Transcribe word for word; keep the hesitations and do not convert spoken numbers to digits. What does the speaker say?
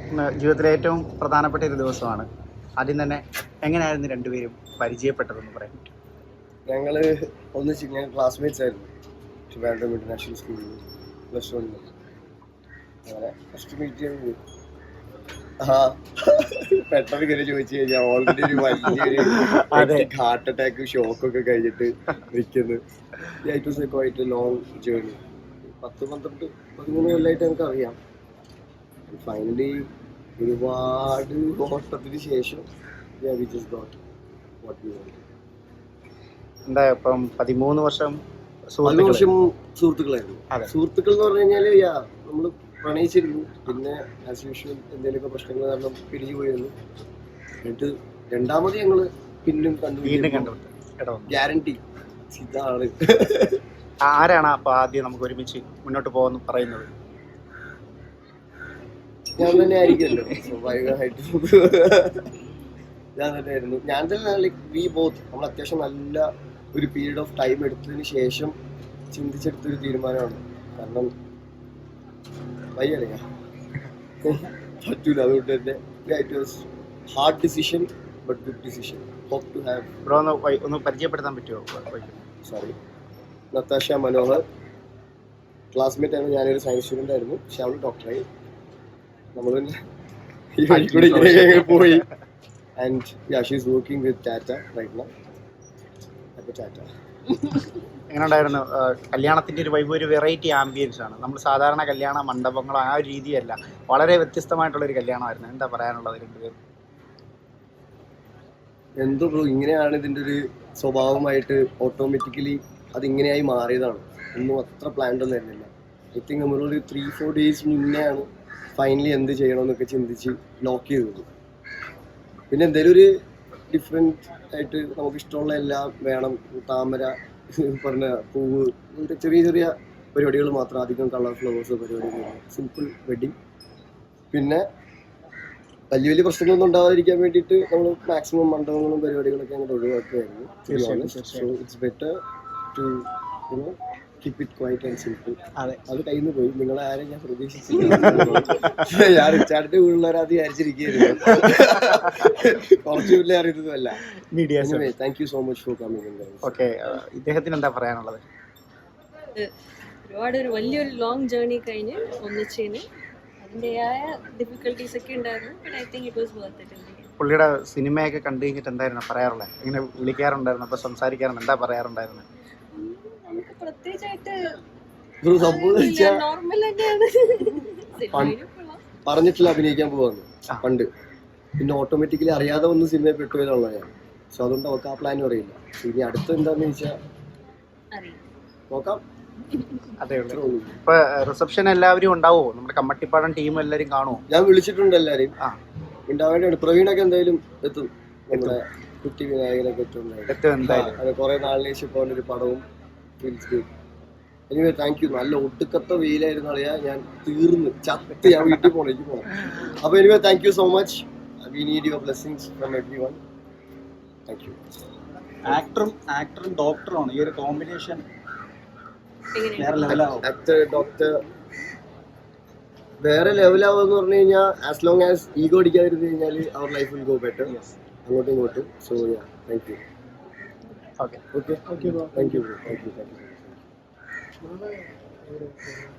ഇന്ന് ജീവിതത്തിലെ ഏറ്റവും പ്രധാനപ്പെട്ട ഒരു ദിവസമാണ്. ആദ്യം തന്നെ എങ്ങനെയായിരുന്നു രണ്ടുപേരും പരിചയപ്പെട്ടതെന്ന് പറയാൻ പറ്റും? ഞങ്ങൾ ഒന്നിച്ച് ഞങ്ങൾ ക്ലാസ്മേറ്റ്സ് ആയിരുന്നു ട്രിവാൻഡ്രം ഇന്റർനാഷണൽ സ്കൂളിൽ പ്ലസ് വണ്ണിൽ. അങ്ങനെ ഫസ്റ്റ് മീറ്റ് ചെയ്ത് ആ പെട്ടെന്ന് കയറി ചോദിച്ചു കഴിഞ്ഞാൽ ഓൾറെഡി ഒരു വലിയൊരു ഹാർട്ട് അറ്റാക്ക് ഷോക്കൊക്കെ കഴിഞ്ഞിട്ട് നിൽക്കുന്നു. It was a quite a long journey. പത്ത് പന്ത്രണ്ട് പതിമൂന്ന് കൊല്ലമായിട്ട് നമുക്ക് അറിയാം. ഫൈനലി ഒരുപാട് ഓട്ടത്തിന് ശേഷം we just got what we wanted. എന്താ ഇപ്പം പതിമൂന്ന് വർഷം പതിമൂന്ന് വർഷം സുഹൃത്തുക്കളായിരുന്നു. സുഹൃത്തുക്കൾ എന്ന് പറഞ്ഞു കഴിഞ്ഞാല് നമ്മൾ പ്രണയിച്ചിരുന്നു. പിന്നെ ആസ് യൂഷ്വൽ എന്തെങ്കിലുമൊക്കെ പ്രശ്നങ്ങൾ കാരണം പിരിഞ്ഞു പോയിരുന്നു. എന്നിട്ട് രണ്ടാമത് ഞങ്ങള് പിന്നും കണ്ടു. ഗ്യാരണ്ടി ഇതാണ്. ആരാണ് അപ്പൊ ആദ്യം നമുക്ക് ഒരുമിച്ച് മുന്നോട്ട് പോകുന്നു പറയുന്നത്? ഞാൻ തന്നെ ആയിരിക്കുമല്ലോ സ്വാഭാവികമായിട്ട്. ഞാൻ തന്നെ ആയിരുന്നു. ഞാൻ തന്നെ ലൈക്ക് വി ബോത്ത് നമ്മൾ അത്യാവശ്യം നല്ല ഒരു പീരീഡ് ഓഫ് ടൈം എടുത്തതിന് ശേഷം ചിന്തിച്ചെടുത്തൊരു തീരുമാനമാണ്. കാരണം വയ്യറിയാ പറ്റൂല. അതുകൊണ്ട് തന്നെ it was hard decision but good decision. Hope to have. Bro ഒന്ന് പരിചയപ്പെടുത്താൻ പറ്റുമോ? സോറി, നത്താഷ മനോഹർ ക്ലാസ്മേറ്റ് ആണ്. ഞാനൊരു സയൻസ് സ്റ്റുഡൻ്റ് ആയിരുന്നു. പക്ഷെ അവൾ ഡോക്ടറായി. നമ്മൾ ഇങ്ങനെ പോയി. And ya she is working with Tata right now. അപ്പോൾ ടാറ്റ. എങ്ങനെ ഉണ്ടായിരുന്നു കല്യാണത്തിൻ്റെ ഒരു വൈബ്? ഒരു വെറൈറ്റി ആംബിയൻസ് ആണ്. നമ്മൾ സാധാരണ കല്യാണ മണ്ഡപങ്ങളോ ആ ഒരു രീതിയല്ല, വളരെ വ്യത്യസ്തമായിട്ടുള്ളൊരു കല്യാണമായിരുന്നു. എന്താ പറയാനുള്ളത് രണ്ടുപേരും? എന്തോ ബ്രോ, ഇങ്ങനെയാണ് ഇതിൻ്റെ ഒരു സ്വഭാവമായിട്ട് ഓട്ടോമാറ്റിക്കലി അതിങ്ങനെയായി മാറിയതാണ്. ഒന്നും അത്ര പ്ലാൻഡ് ഒന്നും ആയിരുന്നില്ല. ഐ തിങ്ക് നമ്മളൊരു ത്രീ ഫോർ ഡേയ്സ് മുന്നെയാണ് ഫൈനലി എന്ത് ചെയ്യണമെന്നൊക്കെ ചിന്തിച്ച് ലോക്ക് ചെയ്തത്. പിന്നെ എന്തെങ്കിലും ഒരു ഡിഫറെൻറ്റ് ആയിട്ട് നമുക്ക് ഇഷ്ടമുള്ള എല്ലാം വേണം. താമര പറഞ്ഞ പൂവ്, ഇങ്ങനത്തെ ചെറിയ ചെറിയ പരിപാടികൾ മാത്രം. അധികം കളർ ഫ്ലവേഴ്സ് പരിപാടികൾ, സിമ്പിൾ വെഡിങ്. പിന്നെ വലിയ വലിയ പ്രശ്നങ്ങളൊന്നും ഉണ്ടാവാതിരിക്കാൻ വേണ്ടിയിട്ട് നമ്മൾ മാക്സിമം മണ്ഡപങ്ങളും പരിപാടികളൊക്കെ അങ്ങോട്ട് ഒഴിവാക്കുകയായിരുന്നു. So it's better to you know keep it quiet and simple. അതെ, അത് കയ്യിൽ നിന്ന് പോയി. നിങ്ങളെ ആരും ഞാൻ പ്രതീക്ഷിച്ചില്ല. ഞാൻ റിച്ചാർഡിന്റെ ഉള്ളവരാത് വിചാരിച്ചിരിക്കുന്നു. കുറച്ച് വലിയ അറിയുന്നതല്ല. Thank you so much for coming. Okay, ഇദ്ദേഹത്തിന് എന്താ പറയാനുള്ളത്? ഒരുപാട് ഒരു വലിയൊരു ലോങ് ജേർണി കഴിഞ്ഞ് ഒന്നിച്ചതിന് അതിൻ്റെതായ ഡിഫിക്കൽട്ടീസ് ഒക്കെ ഉണ്ടായിരുന്നു. But I think it was worth it. പുള്ളിയുടെ സിനിമയൊക്കെ കണ്ടു കഴിഞ്ഞിട്ട് എന്തായിരുന്നു പറയാറുള്ളത്? ഇങ്ങനെ വിളിക്കാറുണ്ടായിരുന്നു, അപ്പോൾ സംസാരിക്കാറുണ്ട്, എന്താ പറയാറുണ്ടായിരുന്നു? നമുക്ക് പ്രത്യേകിച്ചായിട്ട് നോർമൽ പറഞ്ഞിട്ടില്ല അഭിനയിക്കാൻ പോവാന്ന് പണ്ട്. പിന്നെ ഓട്ടോമാറ്റിക്കലി അറിയാതെ ഒന്ന് സിനിമയിൽ പെട്ടുപോയതാണല്ലോ ഞാൻ. സോ അതുകൊണ്ട് അവർക്ക് ആ പ്ലാനും അറിയില്ല. ഇനി അടുത്ത് എന്താന്ന് ചോദിച്ചാൽ നോക്കാം. അതെ ഉള്ളൂ. ഇപ്പൊ റിസപ്ഷൻ എല്ലാവരും ഉണ്ടാവോ? നമ്മുടെ കമ്മട്ടിപ്പാടം ടീം എല്ലാവരും കാണുമോ? ഞാൻ വിളിച്ചിട്ടുണ്ട് എല്ലാവരും. ഉണ്ടാവേണ്ടതാണ്. പ്രവീണൊക്കെ എന്തായാലും എത്തും. നമ്മുടെ കുട്ടി വിനായകനൊക്കെ എത്തും. കുറെ നാളിന് ശേഷം ഇപ്പോൾ ഒരു പടവും. Anyway thank you. നല്ല ഒടുക്കത്തെ വെയിലായിരുന്നു അറിയാ. ഞാൻ തീർന്ന് ചത്ത് ഞാൻ വീട്ടിൽ പോകണം, എനിക്ക് പോകണം. അപ്പൊ anyway thank you so much. We need your blessings from everyone. Thank you. ആക്ടറും ആക്ടറും ഡോക്ടറുമാണ് ഈ ഒരു കോമ്പിനേഷൻ. ആക്ടർ ഡോക്ടർ വേറെ ലെവലാവെന്ന് പറഞ്ഞു കഴിഞ്ഞാൽ ആസ് ലോങ് ആസ് ഈഗോ അടിക്കാതിരുന്നു കഴിഞ്ഞാൽ അവർ ലൈഫ് വിൽ ഗോ ബെറ്റർ. അങ്ങോട്ടും ഇങ്ങോട്ടും. So ya thank you. Okay okay thank you thank you thank U.